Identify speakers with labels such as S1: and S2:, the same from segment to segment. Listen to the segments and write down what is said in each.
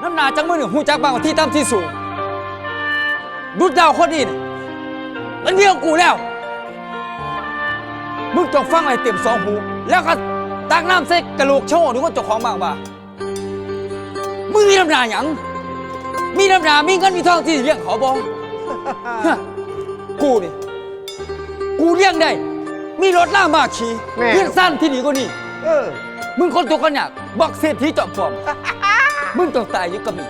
S1: น้ำหนาจังมือหนึ่งหูจักบางกว่าที่ต่ำที่สูงดุดดาวคนนี้นี่มันเมียของกูแล้วมึงจงฟังอะไรเต็มสองหูแล้วก็ตักน้ำใส่กระโหลกโชว์ดูว่าเจ้าของบ้างว่ามึงมีน้ำหนาหยังมีน้ำหนามีเงินมีทองที่เลี้ยงเขาบ่ กูนี่กูเลี้ยงได้มีรถล่ามาขี่เลี้ยงสั้นที่นี่ก็นี่มึงคนตัวกันอยากบักเศรษฐีจอมปลอม มึงต้องตายอยู่กับมี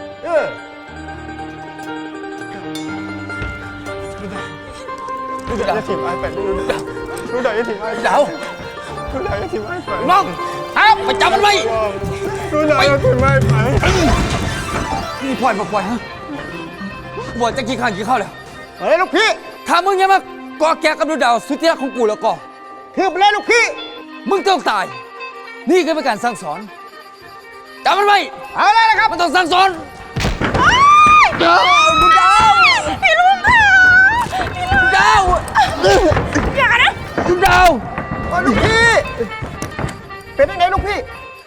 S2: ดูดาวจะถิ่มไอ้ไปดูดาวจะถิ่มไอ้
S1: ดาว
S2: ดูดาวจะถิ่มไอ้ไป
S1: น้องครับไปจับมันไว้
S2: ดูดาวจะถิ่มไอ้ไป
S1: นี่ปล่อยมาปล่อยฮะบวชจะกี่ข้างกี่เข้าแล้ว
S2: เฮ้ยลูกพี่
S1: ถ้ามึงยังมาก่อแก่กับดูดาวสุดที่รักของกูแล้วก็
S2: คือไปเลยลูกพี่
S1: มึงต้องตายนี่คือเป็นการสั่งสอนจำมันไว้
S2: เอาเลยนะครับ
S1: มันต้องสั่งสอน
S2: ดูดาว
S3: พี่ลุงค่ะ
S1: ดูดาว
S3: อย่านะ
S1: ดูดาว
S2: ลูกพี่เป็นยังไงลูกพี่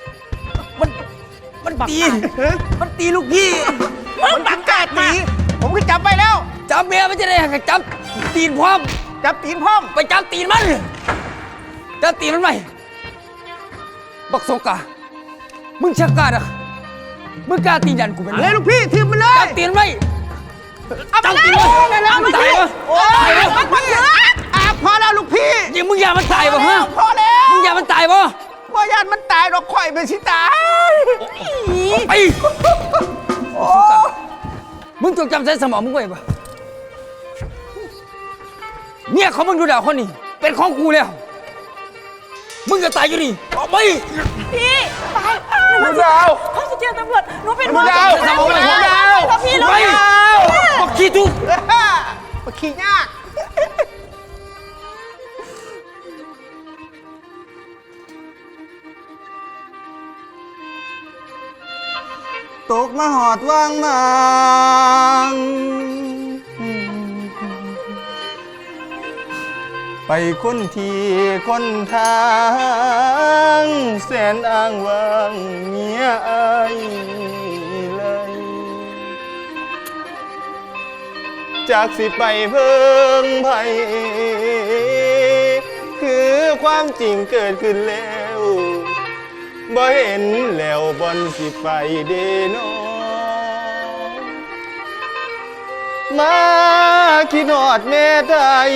S1: มันตีลูกพี่
S2: มันบังกาตีผมก็จับไปแล้ว
S1: จับเมียมันจะได้หักจับตีนพร้อม
S2: จับตีนพร้อม
S1: ไปจับตีนมันจับตีนมันไหมบักโซกามึงชักกล้าอะมึงกล้าตีนยันกูเป็น
S2: อะไรลูกพี่ทีมมันเลย
S1: จับตีนไว้จับตีนมันตายวะ
S2: ตายแล้วพอแล้วลูกพี่
S1: ยังมึงอย่ามันตายวะฮะ
S2: พอแล้ว
S1: มึงอย่ามันตายวะ
S2: ว่าญาติมันตายหรอกข่อยเป็นชิตาย
S1: ไปมึงจงจำใส่สมองมึงไว้ปะเนี่ยเขามึงดูดาวคนนี้เป็นของกูแล้วมึงจะตายอยู่นี่ออกไป
S3: พี่ไป
S2: ดูดาว
S3: เขาจะเจอตำรวจหนูเป็น
S2: ดูดาว
S3: สมองไปดูดาวพี่ลุง
S1: บอกขี้ทุก
S2: มาขี้ยากตกมาหอดว่างมังไปคนที่คนทางแสนอ้างว้างเงียอายเลยจากสิไปเพิ่งไผคือความจริงเกิดขึ้นแล้วบ่เห็นแล้วบอนสิไปเดโนมาคิดหอดแม่ไทย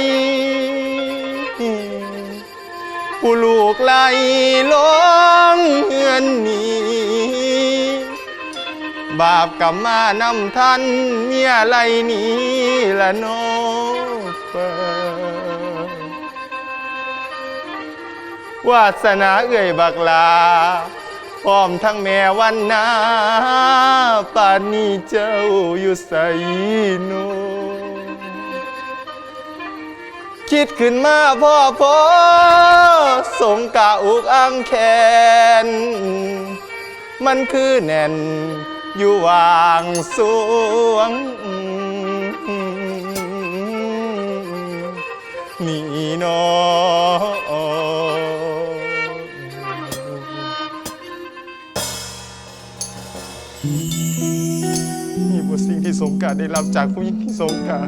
S2: ผู้ลูกไหลล้องเฮือนนี้บาปกรรมมานำทันเมียไหลนี้ละโนเปวาสนาเอื่อยบักลาพร้อมทั้งแม่วันนาป่านนี้เจ้าอยู่ใส่โนคิดขึ้นมาพ่อสงกะอุกอังแขนมันคือแน่นอยู่วางสวงนี่นอนี่บทสิ่งที่สงกาได้รับจากผู้หญิงที่สงกา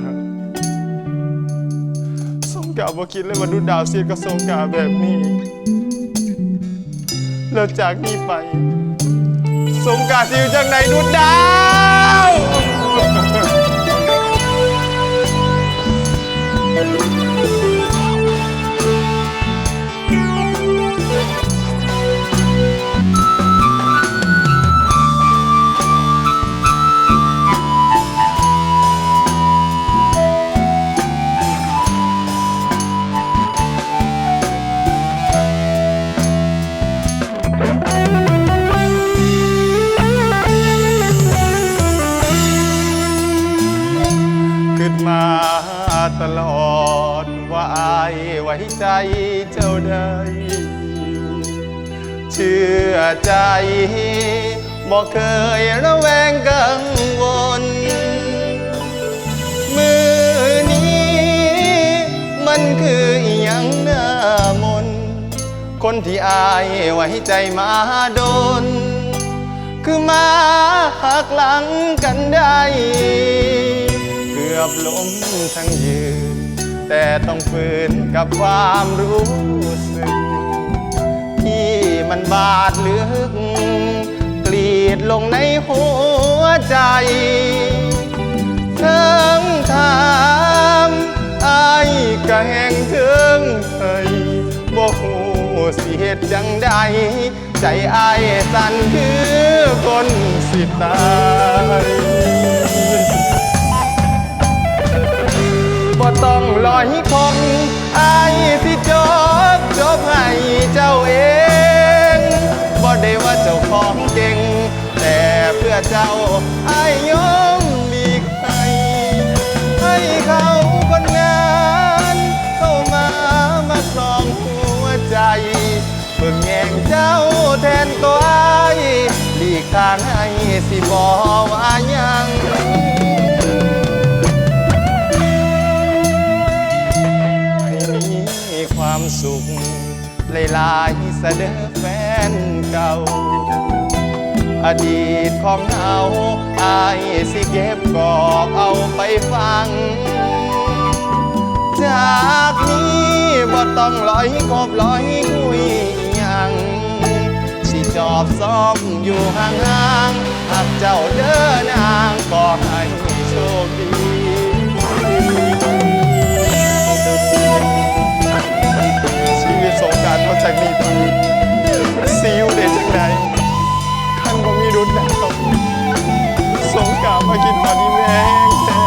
S2: บ่คิดเลยว่าดูดาวเสียกับสงกาแบบนี้แล้วจากนี้ไปสงกาสิอยู่จากไหนดูดาวตลอดว่าอายไว้ใจเจ้าได้เชื่อใจบ่เคยระแวงกังวลมือนี้มันคืออีหยังหน้ามนคนที่อายไว้ใจมาโดนคือมาหักหลังกันได้เกือบล้มทั้งยืนแต่ต้องฝืนกับความรู้สึกที่มันบาดลึกกรีดลงในหัวใจเทิงถามอายก็แห่งเทิงเคยบ่ฮู้สิเหตุจังใดใจอายสั่นคือคนสิตายบ่ต้องลอยคงอายสิจบให้เจ้าเองบ่ได้ว่าเจ้าของเก่งแต่เพื่อเจ้าอายยอมหลีกให้เขาคนนั้นเข้ามาครองหัวใจเบิ่งแย่งเจ้าแทนตัวอายหลีกทางให้สิบ่ว่ายังให้มีความสุขหลายๆเสด็จแฟนเก่าอดีตของเราอายสิเก็บกอกเอาไปฟังจากนี้บ่ต้องลอยคบลอยคุยยังสิจอบซ้อมอยู่ห่างๆหากเจ้าเดินนางก็ให้โชคดีชีวิตสงกรานต์มาจากนี้ไปซิวเด็ดจากไหนขันบ่มีรุนแล้วสงกรานต์มากินตอนนี้แม่งแท้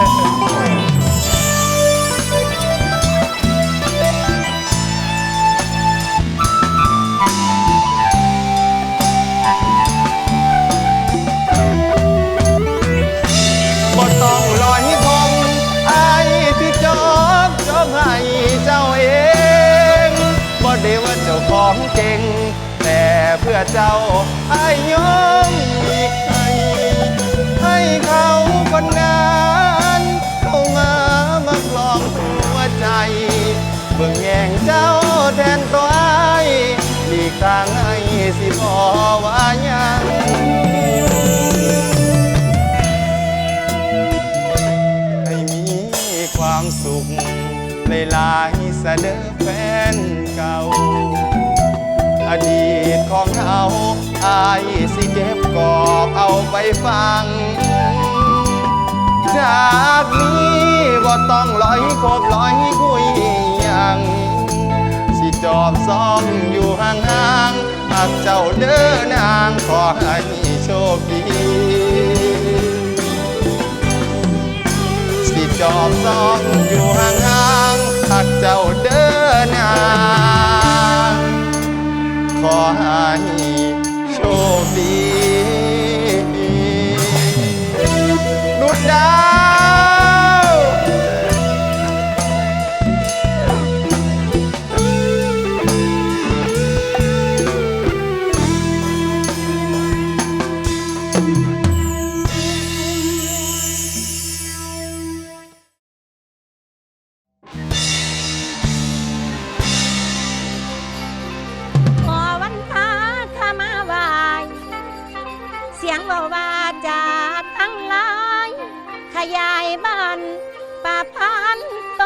S2: บ่ต้องลอยคงอายที่จบให้เจ้าเองบ่ได้ว่าเจ้าของเก่งแต่เพื่อเจ้าอายยอมอีกให้เขาคนนั้นเข้ามาคลองหัวใจเบิ่งแย่งเจ้าแทนตัวอายหลีกทางให้สิพอว่ายังให้มีความสุขหลายๆเสด็จแฟนเก่าอดีตของเราอายสิเก็บกอกเอาไปฟังจากนี้บ่ต้องลอยคบลอยคุยยังสิจอบซ้อมอยู่ห่างๆหากเจ้าเดินนางขอให้โชคดีสิจอบซ้อมอยู่ห่างๆหากเจ้าเดินนางขอให้โชคดีนุชดาว
S3: เสียงว่าจะทั้งหลายขยายบ้านป่าพันโต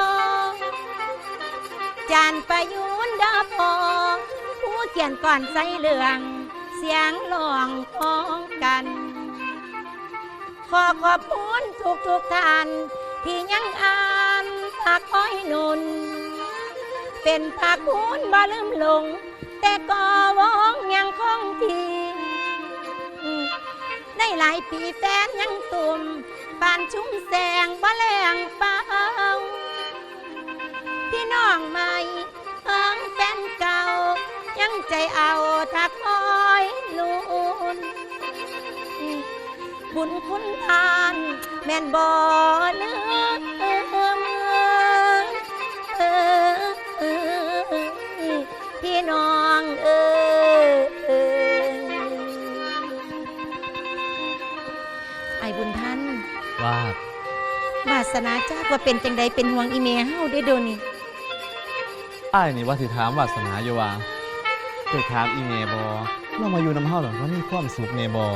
S3: จานประยุนดาพอผู้เขียนก่อนใส่เหลืองเสียงหลองพ้องกันขอขอบคุณทุกท่านที่ยังอ่านผักอ้อยนุนเป็นผักคุณบ่ลืมลงแต่ก็วองยังคงทีได้หลายปีแฟนยังตุ่มปานชุ่มแสงบ่แรงเป่าพี่น้องใหม่เอิงแฟนเก่ายังใจเอาทักอ้อยลุนบุญคุณทานแม่นบ่ลืมพี่น้องไอ้บุญท่าน
S1: ว่าว
S3: าสนาจากว่าเป็นจังใดเป็นห่วงอีเมเฮาได้โดนี่
S4: อ้ายนี่ว่าสิถามวาสนาอยู่ว่าเคยถามอีเมบอเรามาอยู่น้ำเฮาหรอว่ามีความสุขเมบอ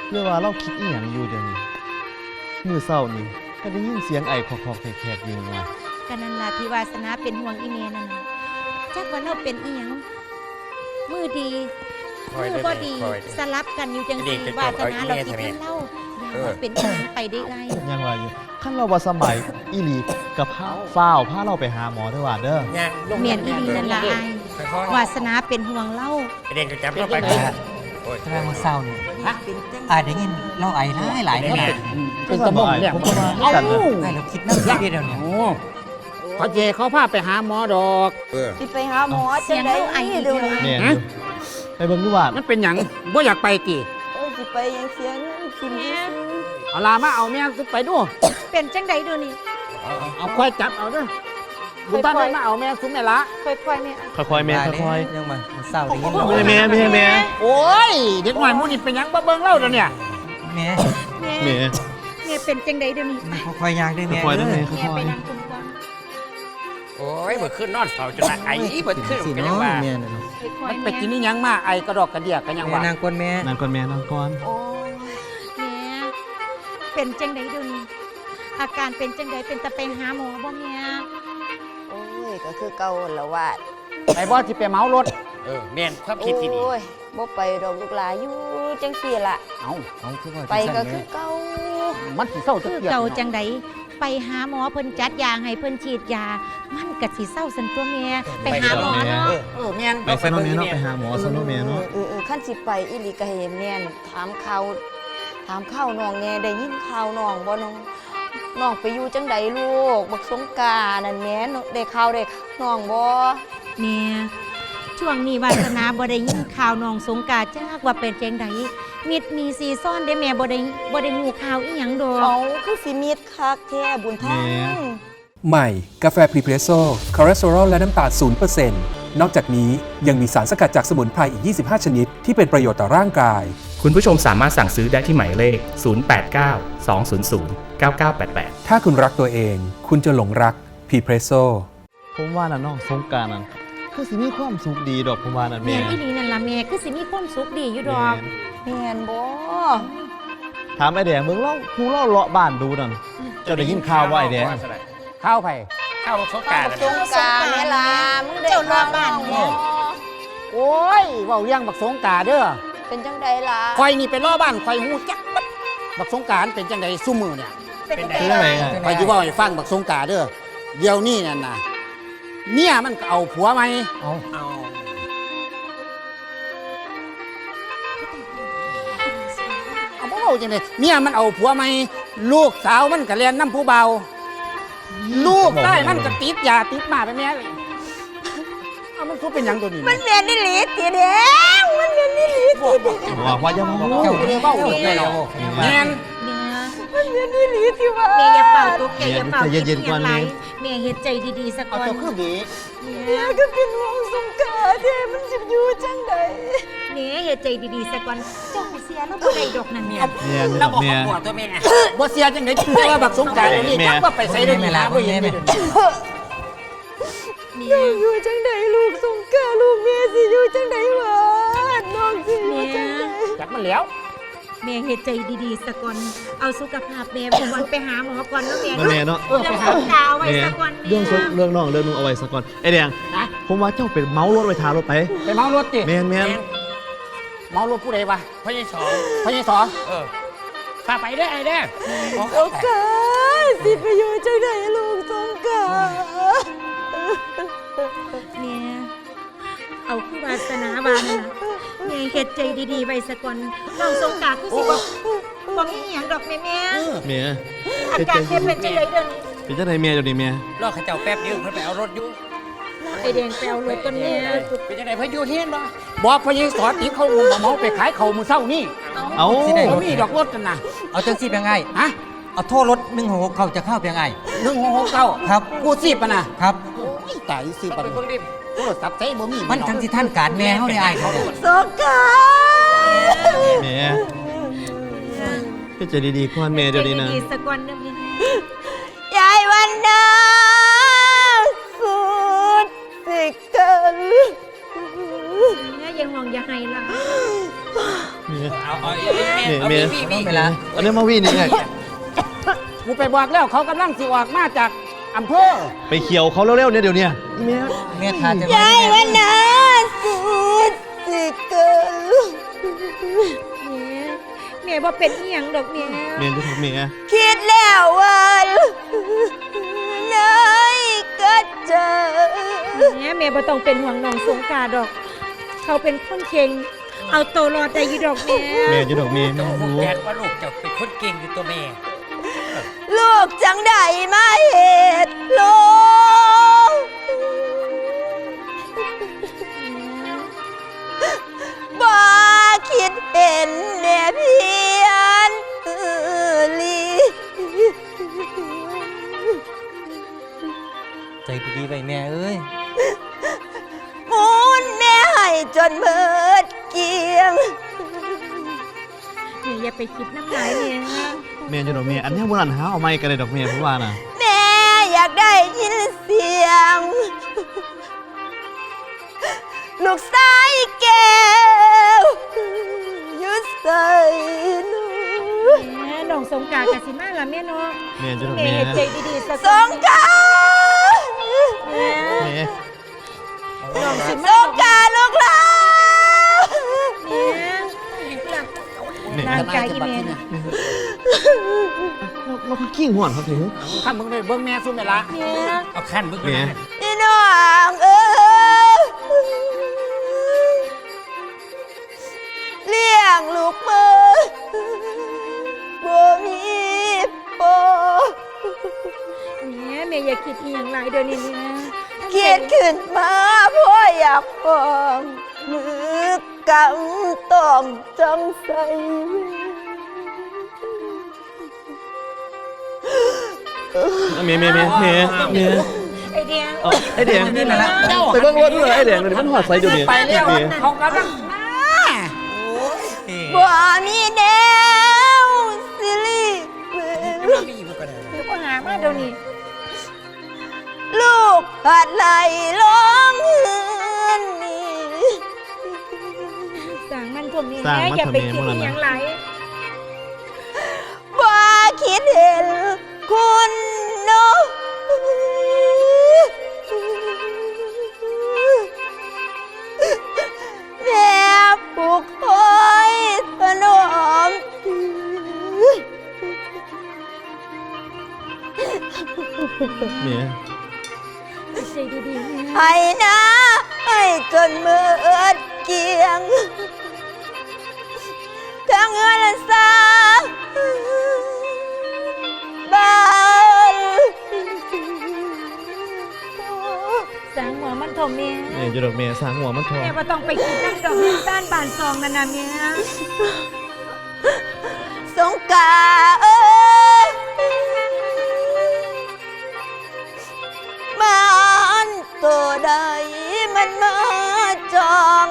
S4: เรื่องว่าเราคิดอีหยังอยู่เดี๋ยวนี้มื้อเช้านี่ก็ได้ยินเสียงไอ้คอกๆแขกๆอยู่ว่า
S3: กันนั่นล่ะที่วาสนาเป็นห่วงอีเมนั่นน่ะจักว่าเราเป็นอีหยังมือดีมือบ่ดีสลับกันอยู่จังซี่วาสนาเราคิดว่าเราอย่าว่าเป็นอีหยังไปได้ไร
S4: ยังว่าอยู่คันเราบ่สำบายอีหลีกับฟ้าวพาเราไปหาหมอเด้อว่าเด้อ
S3: เมียนอีหลีนั่นล่ะอ้ายวาสนาเป็นห่วงเรา
S5: เด็กจะจับเราไป
S6: แสดงว่าเศร้านี่ได้ยินเราไอหลายเนี่ย
S1: เป็นตะมงเนี่ย
S4: ผมก็ว่าคือกันนะ
S6: ไอเราคิดนั่งคิดเดียวเนี่ย
S1: โอ้เขาเจเขาพาไปหาหมอดอก
S7: สิไปหาหมอ
S3: เสี
S7: จั
S3: ย
S7: ง
S3: ง
S7: ได๋
S3: เราไออี
S7: เดี๋ยว
S3: เดียว
S7: นี้
S4: แม่นอยู่ไปเบิ่งดูว่า
S1: มันเป็นหยังบ่อยากไปกี่
S7: สิไปยังเสียเงินกินซื่อ
S1: เอาลามาเอาแม่ซุไปดู
S3: เป็นจังใดเดี๋ยวนี้
S1: เอาค่อยจับเอาเด้อบุญบ้านมาเอาแม่ซุแม่ละ
S3: ค่อยๆแม่
S4: ค่อยๆแม่ค่อย
S6: ยังมาเศร้าได้ยิน
S4: ๆไม่ให้แม่
S1: โอ้ยเด็กหน่อยมูนี่เป็นหยังบ่เบิ่งเล่าเดี๋ยวเนี่ย
S6: แม่
S3: แม่
S4: แม่
S3: แม่เป็นจังใดเดี๋ยวนี้
S6: คอยยางด้วยแม่
S4: ค่อยๆนะแม่
S3: แม่
S4: ค่อ
S3: ไป
S4: ย
S3: นั่งคุมก่อน
S5: โอ้ยเบิดขึ้นนอนเฝ้าจนไอ้เบิดขึ้น
S6: สิ
S5: กัน
S6: เนา
S5: ยังว่า
S6: ะแม่
S3: ค่อ
S1: มั
S3: ย
S1: น
S3: ๆ
S1: ไปกินนี่ยังมาไอกระดอกกระเดียกกันยังว่า
S6: นางกวนแม่
S4: ๆนั่นก่อนแม่นั่งก่อน
S7: ๆโอ้ย
S3: แม่เป็นจังใดเดี๋ยวนี้อาการเป็นจังใดเป็นตะไปหาหมอบ่แม่
S7: โอ้ยก็คือเก่าแล้วว่า
S1: ไอ้บ่สิไปเหมารถ
S5: แม่นความคิดที่ดี
S7: โอ้ยบ่ไปดอกลูกหลานอยู่จังซี่ล่ะ
S1: เอา
S6: เอาคือว่า
S7: ไปก็คือเก่า
S1: มันสิเศร้าจั
S3: คื
S1: ง
S3: อ
S1: เกีย
S3: เก่าจังใดไปหาหมอเพิ่นจัดยาให้เพิ่นฉีดยา มันก็สิเศร้าสันตัวแม่ไปหาหมอเนาะ
S1: แม่น
S4: ไปซะเนาะแม่เนาะไปหาหมอซะเนาะแม่เนาะ
S7: คันสิไปอีหลีก็ให้แม่นถามข่าวน้องแน่ได้ยินข่าวน้องบ่น้องไปอยู่จังใดลูกบักสงกรานต์นั่นแหม่ได้ข่าวได้น้องบ่
S3: แม่ช่วงนี้วาสนาบ่ได้ยินข่าวน้องสงกรานต์จักว่าเป็นจังใดมิดมีซีซ่อนได้แม่บ่ได้ฮู้ข่าวอีหยังดอก
S7: เอาคือสิมีดคักแท้บุญทอง
S8: ใหม่ กาแฟพรีเพรสโซ่คอเลสเตอรอลและน้ำตาล0%นอกจากนี้ยังมีสารสกัดจากสมุนไพรอีก 25 ชนิด ที่เป็นประโยชน์ต่อร่างกาย
S9: คุณผู้ชมสามารถสั่งซื้อได้ที่หมายเลข 089 200 9988
S8: ถ้าคุณรักตัวเอง คุณจะหลงรักพรีเพรสโซ่
S4: ผมว่าน่ะน้องสงกรานต์นั่นคือสิมีความสุขดีดอกผมว่านั่น
S3: แม่
S4: แม่
S3: อีหลีนั่นล่ะแม่คือสิมีความสุขดีอยู่ดอก
S7: แม่นบ่
S4: ถามไอ้แดงมึงเล่ากูเล่าเลาะบ้านดูนั่นเจ้าได้ยินข่าวว่าไอ้แดง
S1: ข้าวไผ
S5: เข้าสงกราร
S7: สงกรานต์แม่ล่ะมึงได้
S3: เจ้ารอบ้าน
S7: ข่ว
S3: แม่
S7: บ่
S1: โอ้ยเว้าเรื่องบักสงกรานต์เด้อ
S7: เป็นจังใดล่ะ
S1: คอยนี่เป็นล้อบ้านคอยฮู้จักบัดบักสงกรานต์เป็นจังไดซุมื้อเนี่ย
S3: เป็นจัง
S4: คือ
S3: ใด
S4: อะไรไง
S1: คอยสิเว้าให้ฟังบักสงกรานต์เด้อเดี๋ยวนี้นั่นน่ะเมียมันก็เอาผัวใหม่
S5: เอา
S1: เอาบ่เว้าจังได๋เมียมันเอาผัวใหม่ลูกสาวมันก็เรียนน้ำผู้เบาลูกใต้มันก็ติดยาติดหมาไปแม่เลยเอามันคือเป็นหยังตัวนี้
S7: มันแม่นอีหลีติแดงมันแม่นอีหลีติแดง
S4: บอกว่าอย่ามาบอก
S1: เจ้าบ่ได้เว้าแม่เนาะแม่น
S7: มันแม่นอีหลีติว่า
S3: แม่อย่าเป่าตกใจอย่าเป่า
S4: ใจเย็นๆก่อน
S3: แม่
S4: แม่
S3: แม่เฮ็ดใจดีๆสัก
S1: เอา
S3: ก่อน
S1: เจ้าคือบี
S7: แม่ก็เป็นห่วงสงกรานต์แท้มันสิอยู่จังใด
S3: แม่เฮ็ดใจดีๆสักก่อนเจ้าไปเสียแล้วบ่ได้ดอกนั่นแม่
S4: แม่นี่
S5: เรา
S4: ดอก
S5: บอก
S4: แม่
S5: ขวดตัวแม่
S1: บ่เสียจังได๋แต่ว่าบักสงกรานต์นี่
S4: แม่
S1: จักว่าไปใส่ได้มีหาบ่เห็นเลย
S3: แม่
S7: อยู่จังใดลูกสงกรานต์ลูกแม่สิอยู่จังใดวะน้องสิอยู่จังใด
S1: จักมันแล้ว
S3: แม่เฮ็ดใจดีๆสักก่อนเอาสุขภาพแม่ไปก่อนไปหาหมอก่อนเนาะแม่
S4: นั่นแม่เนาะ
S3: เรื่องของดาวไว้
S4: แม่
S3: สักก่อนแม่
S4: เรื่องสุขเรื่องน้องเรื่องนึงเอาไว้สักก่อนไอ้แดง
S1: นะ
S4: ผมว่าเจ้าเป็นเมารถไว้ทารถไป
S1: ไปเมารถติ
S4: แม่นแม่น
S1: เมารถผู้ใดวะ
S5: พ่อใหญ่สอง
S1: พญสอ
S5: พาไปได้ไอ้เด้อ
S7: สงกรานต์สิไปอยู่จังใดลูกสงกรานต์
S3: แม่เอาคือวาสนาบานนะแม่เฮ็ดใจดีๆไว้สักก่อนน้องสงกรานต์คือสิบ่มีหยังดอกแม่
S4: แม่
S3: อาการแค่เป็นจังไดเด้อนี่
S4: เป็นจังไดแม่เดี๋ยวนี้แม่
S5: รอข้าเจ้าแป๊บเดียวเพิ่นไปเอารถอยู่
S3: ไอแดงไปเอารถก่อนแม่
S5: เป็นจังไดเพิ่นอยู่เฮียนบ่
S1: บอกพญสอติเขาเมาไปขายเขามื้อเช้านี่
S4: เอา
S1: บ่มีดอกรถกันนะ
S6: เอาจังสิเป็นไง
S1: ฮะ
S6: เอาโทษรถ166เขาจะเข้าเป็นไง
S1: 1669
S6: ครับ
S1: กูสิบอ่ะนะครับ โอ้ยตายสิบ
S5: เอา
S1: อ่ะ
S5: ไปเบิ่งดิ
S1: โทรศัพท์ใช้บ่มี
S6: มันทั้งที่ท่านการแม่เขาได้อายเขาเนี่ย
S7: สงกรานต์
S4: แม่เป็นใจดีๆก่อนแม่เดี๋ยวนี้นะ
S3: ใจดีๆสักก่อนเด้อแม่
S7: ยายวันนาสุดสิกัน
S3: แม่อย่าห่วงอย่าให้ล่ะ
S4: เมีย
S5: เอา
S4: เมีย
S6: น้องเวลา
S4: อันนี้มาวิ่งนี่ไง
S1: กูไปบอกแล้วเขากำลังสิออกมาจากอำเภอ
S4: ไปเขียวเขาเร็วๆเนี่ยเดี๋ยวเนี้เมีย
S6: แม่ทานจะ
S7: ยายวันนาสุดสิเกิน
S3: แม่บ่เป็นอีหยังดอกแม่
S4: เมียจะถูกเมีย
S7: คิดแล้ววันไหนก็เจอ
S3: แม่บ่ต้องเป็นห่วงน้องสงกรานต์ดอก เขาเป็นคนเก่งเอาตัวรอดได้อยู่ดอกแม่
S4: เมียจะถูกเมียไม่รู้
S5: แกว่าลูกเจ้าเป็นคนเก่งอยู่ตัวแม่
S7: ลูกจังใดมาเหตุโลกบ่คิดเห็นแน่เพียนลี
S6: ใจดีๆไว้แม่เอ้ย
S7: มูนแม่ให้จนเมิดเกลียง
S3: แม่อย่าไปคิดน้ำลายเนี่ย
S4: เมียจะถูกเมียอันนี้โบราณหาเอาไม้กันเลยดอกเมียเพราะว่าน่ะ
S7: แม่อยากได้ยินเสียง ลูกสายแก้วอยุดใส่หนู
S3: แม่น้องสงกรานต์กะสิมาล่ะแม่เนาะ
S4: เมียจะถูก
S3: แม่
S4: เมีย
S3: เฮ็ดใจดีๆสัก
S7: สงกรานต์
S3: แม่
S4: เมีย
S3: น้องสิ
S7: ส
S3: มาง
S7: กรานต์ลูกหลาน
S3: แม่ร่างกายอีแม่
S4: เราคือกิ้งห่วนครับถึง
S1: ข้ามึงไปเบิ่งแม่ซุ่มแม่ละ
S3: แม่
S5: เอาขั้นมึง
S4: เมีย
S7: พี่น้องเอ้ยเลี้ยงลูกมือบ่มีโป
S3: แม่อย่าคิดอีหยังหลายเดี๋ยวนี้แม่
S7: คิดขึ้นมาเพราะอยากฟองมือกำต้อมจังใส่
S4: เมีย
S3: ไอเดีย
S4: ไอเดีย
S6: นี่มาละ
S4: ไปเบิ่งรถด้วยไอเดียเดี๋ยวมันหอดใส่เดี๋ยวนี้
S1: ไปแล้ว
S4: เมีย
S1: เขากำลังมา
S7: บ่มีแนวสิริเว
S5: เราไม่อยู่กันเลย
S3: เดี๋ยวก็หามาเดี๋ยวนี้
S7: ลูกหัดไหลล้องเฮือนนี่
S3: สั่งมันพวกนี้แม่อย่าไปคิดอีหยังหลาย
S7: ว่าคิดเห็นคุณเนาะแม่ปลูกคอยถนอม
S4: เมีย
S3: ใจดีๆแม่
S7: ให้นะให้จนมืดเกียงทั้งเงินและสาบ้าน
S3: สั่งหัวมันถมแม่
S4: เมียจะดอกเมียสางหัวมันทอง
S3: แม่บ่ต้องไปคิดน้ำดอกด้านบานซองนั่นน่ะแม่
S7: สงกาเอ้ยมันตัวใดมันมาจอง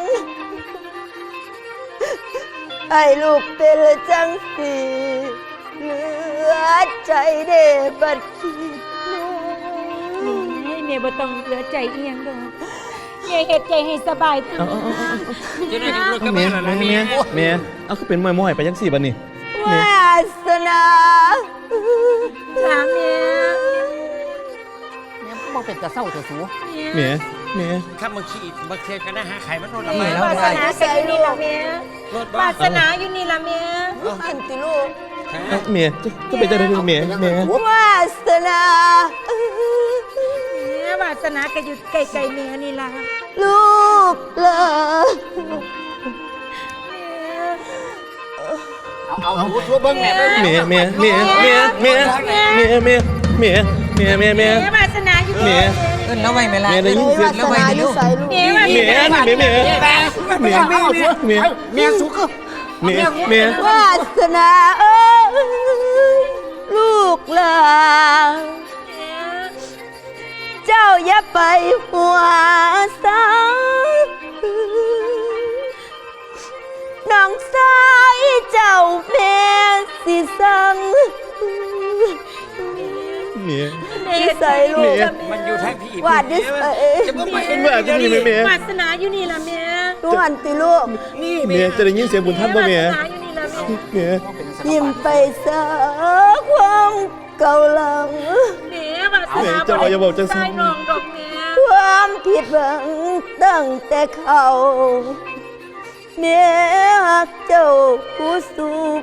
S7: ให้ลูกเป็นจังสีเหลือใจเด้บัดคิดน้อย
S3: แม่บ่ต้องเหลือใจอีหยังดอกแม่เฮ็ดใจให้สบายตัว
S5: จะได้รถกับ
S4: เมีย
S5: แม่
S4: เมียเมียเอาคือเป็นมวยๆไปยังสี่บันนี่
S7: วาสนา
S3: ถามแม่
S1: แม่บ่เป็นตะเศร้าเถอะสู
S4: เมียเมีย
S5: ข้ามมึงขี่บักเทียนกันนะหาไข่มันรถละ
S6: นี่
S5: ไม้
S6: แล้ว
S3: วาส
S6: ได้
S3: นาก็อยู่นี่ล่ะแม่
S5: รถ
S3: วา
S5: บ้า
S3: สนาอยู่นี่ล่ะแม่
S7: อันติลูก
S4: เมียจะไปเจอได้เมียเมียว
S7: าสนา
S3: แม่วาสนาก็อยู่ไกลๆแม่นี่ล่ะ
S7: ลูกหลาน
S1: เอาสูเบิ่งแม่ไป
S4: เมียเมียเมียเมียเมียเมียเมียเมียเมียเมียเมีย
S3: แม่วาสนาอยู่
S4: เมีย
S6: เอิ้นแล้วไว้แม่ละ
S4: เมียได้ยินเสียง
S6: แล้วไว้ในลูก
S3: แม่วาส
S4: เมีย
S3: นา
S4: เมียเมียเมีย
S1: เมียเมียสูคือ
S4: เมียเมียว
S7: าสนาเอ้ยลูกหลานเจ้าอย่าไปหัวสาน้องสายเจ้าแม่สิสั่ง
S4: เมีย
S7: นิสัยลูก
S5: มันอยู่ทางพี่
S7: วาดนิสัย
S5: จะมึงไป
S4: มันแบบจะมีไหมเมียว
S3: าสนาอยู่นี่ล่ะแม่
S7: นวลติลูก
S5: นี่
S4: เมียจะได้ยินเสียงบุญท่านบ่เมีย
S3: หาอยู่นี่แล้วแม่
S4: เมีย
S7: ยิ้มไปซะความเก่าหลัง
S3: แม่วาส
S4: แม่
S3: นา
S4: เจ้าว่าอย่าบอกจังซั่น
S3: ใส่น้องดอกแม่
S7: ความผิดหวังตั้งแต่เขาเมียหักเจ้าผู้สูบ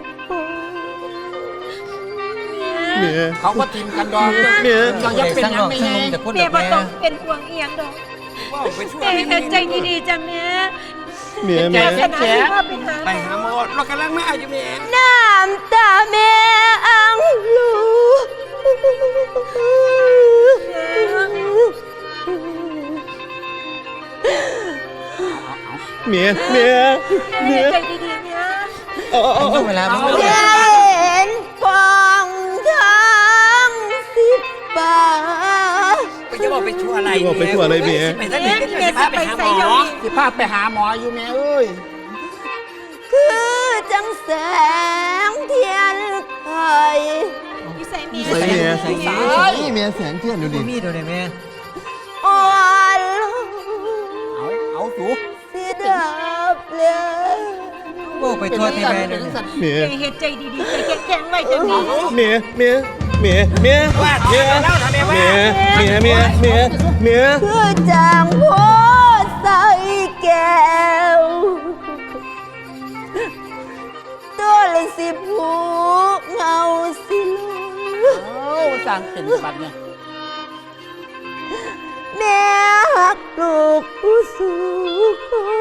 S4: เมีย
S1: เขาก็ทิมกันดอง
S4: เมีย
S1: เรายังเป็นยังไม่ไง
S6: แต่คน
S3: แม่
S6: เดียว
S3: บ่
S6: แม่
S3: ต้องเป็นห่วงเอียงดอก
S5: ว่าไปช่วย
S3: แม่เฮ็ดใจดีๆจ้ะแม่
S4: เมีย
S3: วาส
S4: เมีย
S3: นาที่ว่าไปหา
S5: ไปหาหมอเรากำลังมาอยู่แม่
S7: น้ำตาแม่อังลูก
S4: เมียเมีย
S3: แม่เฮ็ดใจดีๆแม่
S6: อายุเวลามัน
S7: เห็นฟองทั้ง10 บาท
S5: ไปจะบอกไปช่วยอะไร
S4: จะบอกไปทั่วอะไรเมีย
S5: ไปซะนี่ก็จะพาไปหาหมอ
S1: สิพาไปหาหมออยู่แม่เอ้ย
S7: คือจังแสงเทียนไข
S3: อยู่ใส่แม่
S4: ใส่เมีย
S6: ใส่
S4: ใส่เมียแสงเทียนดูดิ
S6: มีดเลยแม่
S7: อ่อนลง
S1: เอาสู
S7: สิดับเลย
S6: โอ้ไปทั่วที่แม่เลย
S4: เมีย
S3: แม่เฮ็ดใจดีๆใจแข็งๆไว้จ้ะแม่
S4: เมียเมียเมียเมีย
S5: ว่า
S4: เมีย
S5: เล่าทำไมว่า
S4: เมียเมียเมียเมีย
S7: คือจางโพใส่แก้วตัวละ10 หูเงาสิลูก
S1: เอาสร้างเป็นบัตรเนี่ย
S7: แม่หักลูกผู้สูง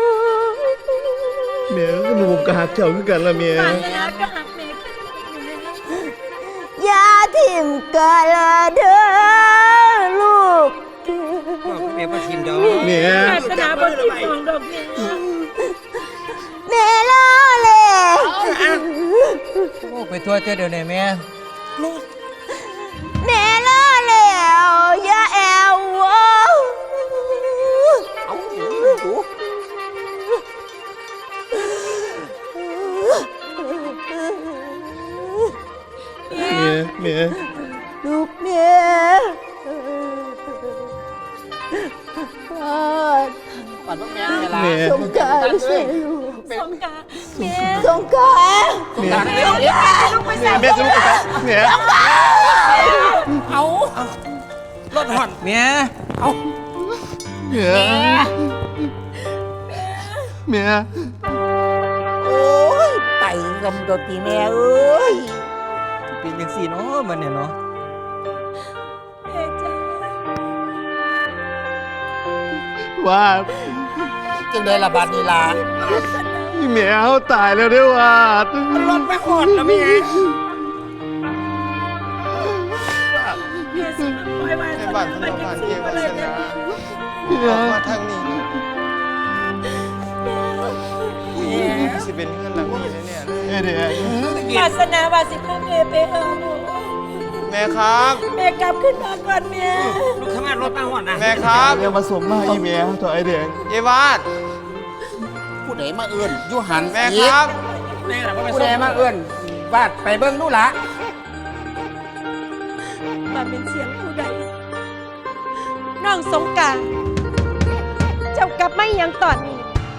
S4: เมียก็หนูกระหักเจ้าคือกันละเมีย
S3: วาสนาก็หักแม่ขึ้นแม่
S7: อย่าทิมกันละเด้อลูก
S5: แม่ว่าทีมเดียว
S4: เมียว
S3: าสนาบ่สิมองดอกแม่
S7: แม่ลาเลย
S6: โอ้ไปทั่วเดียวเลยแม่
S7: แม่ลาแล้วอย่าแอววะ
S1: เอาสู
S4: เมีย
S7: ลูกแม่
S1: บัตรพวกแม่เวลา
S4: เมีย
S7: สงกรารใช่ลูก
S3: สงกรานต์แม่
S7: สงกราร
S4: เมีย
S3: สงกรานต์ลูกไปใส่
S4: เมียจะลุกไปเมีย
S1: เอา
S5: รถหอน
S6: เมีย
S4: เมียเมีย
S1: โอ้ยไต่กำดนตรีแม่เอ้ย
S6: เป็นยังสี่เนาะมันเนี่ยเนาะ
S3: แม่จ้า
S4: ว่า
S1: จึงได้ระบาดนีลา
S4: เมียเขาตายแล้วด้วยว่าร
S5: ถไปหอดแล้วแม่
S3: แม่สิมาปล่อยวา
S2: ใน
S3: ส
S2: บ้า
S3: นา
S2: นถ
S3: ไป
S2: นน
S3: จั
S2: บ้าง น
S3: ซี่
S2: เทว
S3: บ่เลย
S2: ส
S3: แม่
S2: นา
S4: เมี
S2: อย อกมาทางนี้สิเป็นเพื่อนหลังนี้แน่ๆเลย
S4: เดี๋ยว
S3: วาสนาว่าสิพาแม่ไปหาหมอ
S2: แม่ครับ
S3: แม่กลับขึ้นมาก่อนแม่
S5: ลูกทำงานรถมาหอดนะ
S2: แม่ครับ
S4: เมียมาสวมมาอีเมียตัวไอเดีย
S2: เยวาด
S1: ผู้ใดมาเอื้อนอยูหัน
S2: แม่ครับ
S5: แม่น่ะว่าไป
S1: ผู้
S5: ส่
S1: ใด
S5: ง
S1: มาเอื้อนวาดไปเบิ้งดูละ
S3: ว่าเป็นเสียงผู้ใดน้องสงกรานต์เจ้ากลับไม่ยังตอนนี้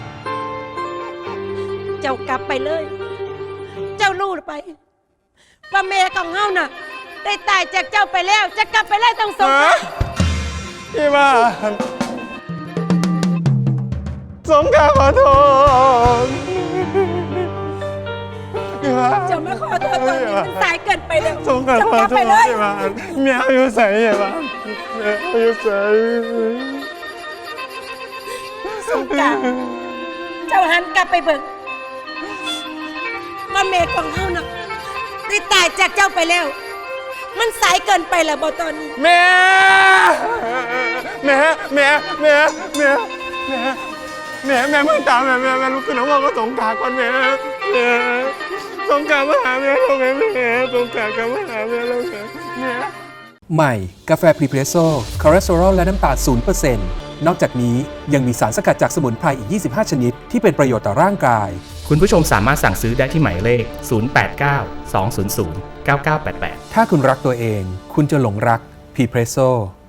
S3: เจ้ากลับไปเลย เจ้ารู้ไป ว่าแม่ของเฮาน่ะ ได้ตายจากเจ้าไปแล้ว จะกลับไปแล้วต้องสงกรานต์
S2: เยวาดสงกรารขอโทษเยวาด
S3: เจ้ามาขอโทษตอนนี้มันสายเกินไปแล้ว
S2: สงกราร
S3: เจ้า
S2: ขอก
S3: ลับ
S2: โท
S3: ไป
S2: ษ
S3: เลย
S2: เยวาดเมียอยู่ใส่เยวาดเมียอยู่ใส่
S3: สงกรานต์เจ้าหันกลับไปเบิ่งว่าแม่ของเฮาน่ะได้ตายจากเจ้าไปแล้ว มันสายเกินไปแล้วบ่ตอนนี้
S2: แม่แม่แม่แม่แม่แม่แม่แม่มึงตามแม่ลุกขึ้นแล้วว่าก็สงกรารก่อนแม่แม่สงกรารมาหาแม่แล้วแม่สงกรารกันมาหาแม่แล้วแม่
S8: ใหม่ กาแฟพรีเพรสโซ่คอเลสเตอรอลและน้ำตาล 0% นอกจากนี้ยังมีสารสกัดจากสมุนไพรอีก 25 ชนิด ที่เป็นประโยชน์ต่อร่างกาย
S9: คุณผู้ชมสามารถสั่งซื้อได้ที่หมายเลข 089 200 9988
S8: ถ้าคุณรักตัวเอง คุณจะหลงรักพรีเพรสโซ่